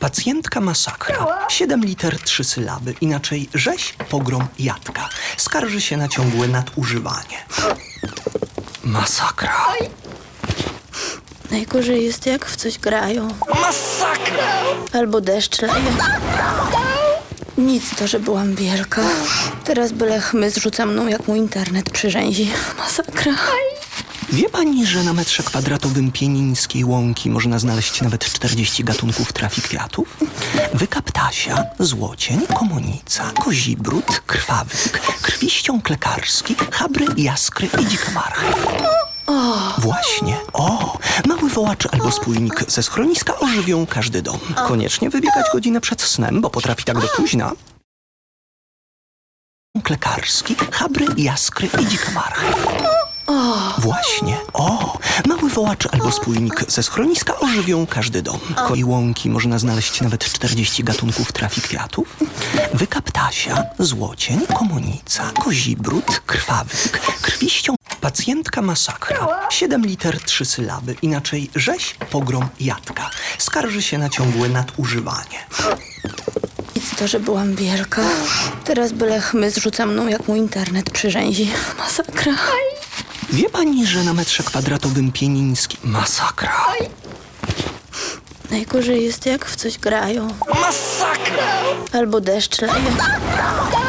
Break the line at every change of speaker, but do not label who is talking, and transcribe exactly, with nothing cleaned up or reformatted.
Pacjentka masakra. siedem liter, trzy sylaby. Inaczej rzeź, pogrom, jadka. Skarży się na ciągłe nadużywanie. Masakra.
Najgorzej jest, jak w coś grają.
Masakra!
Albo deszcz leje. Nic to, że byłam wielka. Teraz byle chmyz rzuca mną, jak mu internet przyrzęzi. Masakra.
Wie pani, że na metrze kwadratowym pienińskiej łąki można znaleźć nawet czterdzieści gatunków trafi kwiatów? Wyka ptasia, złocień, komonica, kozibród, krwawyk, krwiściąg lekarski, chabry, jaskry i dzika marchew. Właśnie, o, mały wołacz albo spójnik ze schroniska ożywią każdy dom. Koniecznie wybiegać godzinę przed snem, bo potrafi tak do późna. Lekarski, chabry, jaskry i dzika marchew. Właśnie, o, mały wołacz albo spójnik ze schroniska ożywią każdy dom. I łąki można znaleźć nawet czterdzieści gatunków trafi kwiatów. Wyka ptasia, złocień, komonica, kozibród, krwawyk, krwiściąg. Pacjentka masakra. siedem liter, trzy sylaby. Inaczej rzeź, pogrom, jadka. Skarży się na ciągłe nadużywanie.
Nic to, że byłam wielka. Teraz byle chmyz rzuca mną, jak mu internet przyrzęzi. Masakra.
Wie pani, że na metrze kwadratowym pieniński... Masakra.
Najgorzej jest, jak w coś grają.
Masakra!
Albo deszcz leje.